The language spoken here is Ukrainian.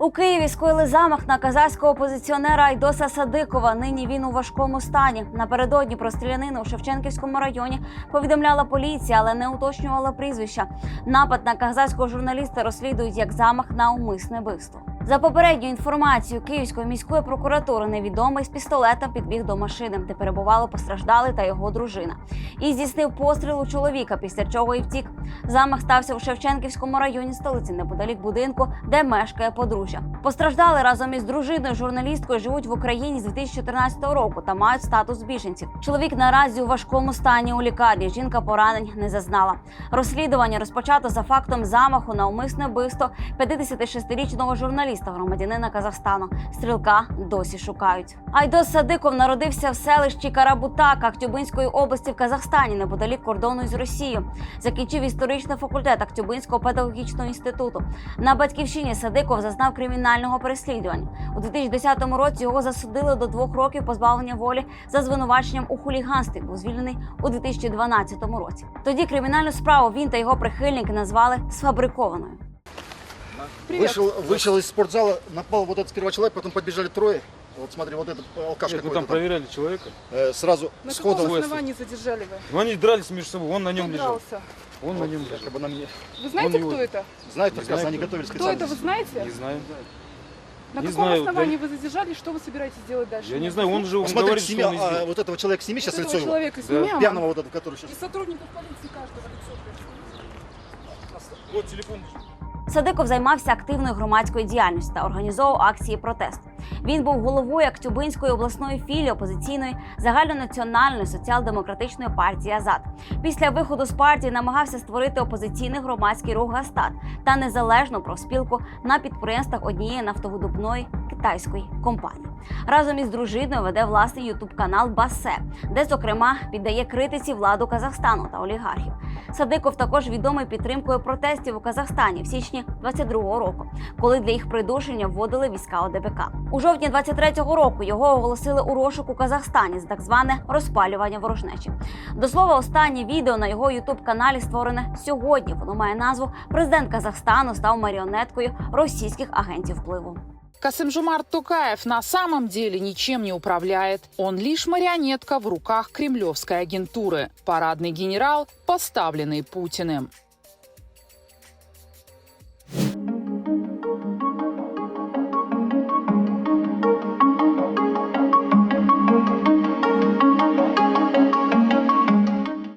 У Києві скоїли замах на казахського опозиціонера Айдоса Садикова. Нині він у важкому стані. Напередодні про стрілянину у Шевченківському районі повідомляла поліція, але не уточнювала прізвища. Напад на казахського журналіста розслідують як замах на умисне вбивство. За попередньою інформацією Київської міської прокуратури, невідомий з пістолетом підбіг до машини, де перебували постраждалий та його дружина. І здійснив постріл у чоловіка, після чого і втік. Замах стався у Шевченківському районі столиці, неподалік будинку, де мешкає подружжя. Постраждали разом із дружиною журналісткою живуть в Україні з 2014 року та мають статус біженців. Чоловік наразі у важкому стані у лікарні, жінка поранень не зазнала. Розслідування розпочато за фактом замаху на умисне вбивство 56-річного журналіста, громадянина Казахстану. Стрілка досі шукають. Айдос Садиков народився в селищі Карабутак Актюбинської області в Казахстані, неподалік кордону із Росією. Закінчив історичний факультет Актюбинського педагогічного інституту. На батьківщині Садиков зазнав кримінального переслідування. У 2010 році його засудили до 2 років позбавлення волі за звинуваченням у хуліганстві. Був звільнений у 2012 році. Тоді кримінальну справу він та його прихильники назвали сфабрикованою. Вышел из спортзала, напал вот этот сперва человек, потом подбежали трое. Вот смотри, вот этот алкаш какой-то. Вы там проверяли человека? Сразу На сходу. каком основании задержали вы? Ну, они дрались между собой, он на нем Кто лежал. дрался? Он на нем лежал. Якобы на мне. Вы знаете, Он кто его- это? Знают Не прекрасно, знаю, они кто. готовились Кто специально. это, вы знаете? Не знаю. На Не каком знаю, основании вы задержали? Что вы собираетесь делать дальше? Я не знаю, он же Посмотрите, говорит, что он сними, избил. вот этого человека сними сейчас Вот лицо этого его. человека снимем. Пьяного вот этого, который сейчас. И сотрудников полиции каждого лицо. Вот телефон. Садиков займався активною громадською діяльністю та організовував акції протесту. Він був головою Актюбинської обласної філії опозиційної загальнонаціональної соціал-демократичної партії «Азат». Після виходу з партії намагався створити опозиційний громадський рух «Гастат» та незалежну профспілку на підприємствах однієї нафтовидобувної китайської компанії. Разом із дружиною веде власний ютуб-канал «Басе», де, зокрема, піддає критиці владу Казахстану та олігархів. Садиков також відомий підтримкою протестів у Казахстані в січні 22-го року, коли для їх придушення вводили війська ОДПК. У жовтні 23-го року його оголосили у розшук у Казахстані за так зване розпалювання ворожнечі. До слова, останнє відео на його ютуб-каналі створене сьогодні. Воно має назву «Президент Казахстану став маріонеткою російських агентів впливу». Касым-Жомарт Токаев на самом деле ничем не управляет. Он лишь марионетка в руках кремлевской агентуры. Парадный генерал, поставленный Путиным.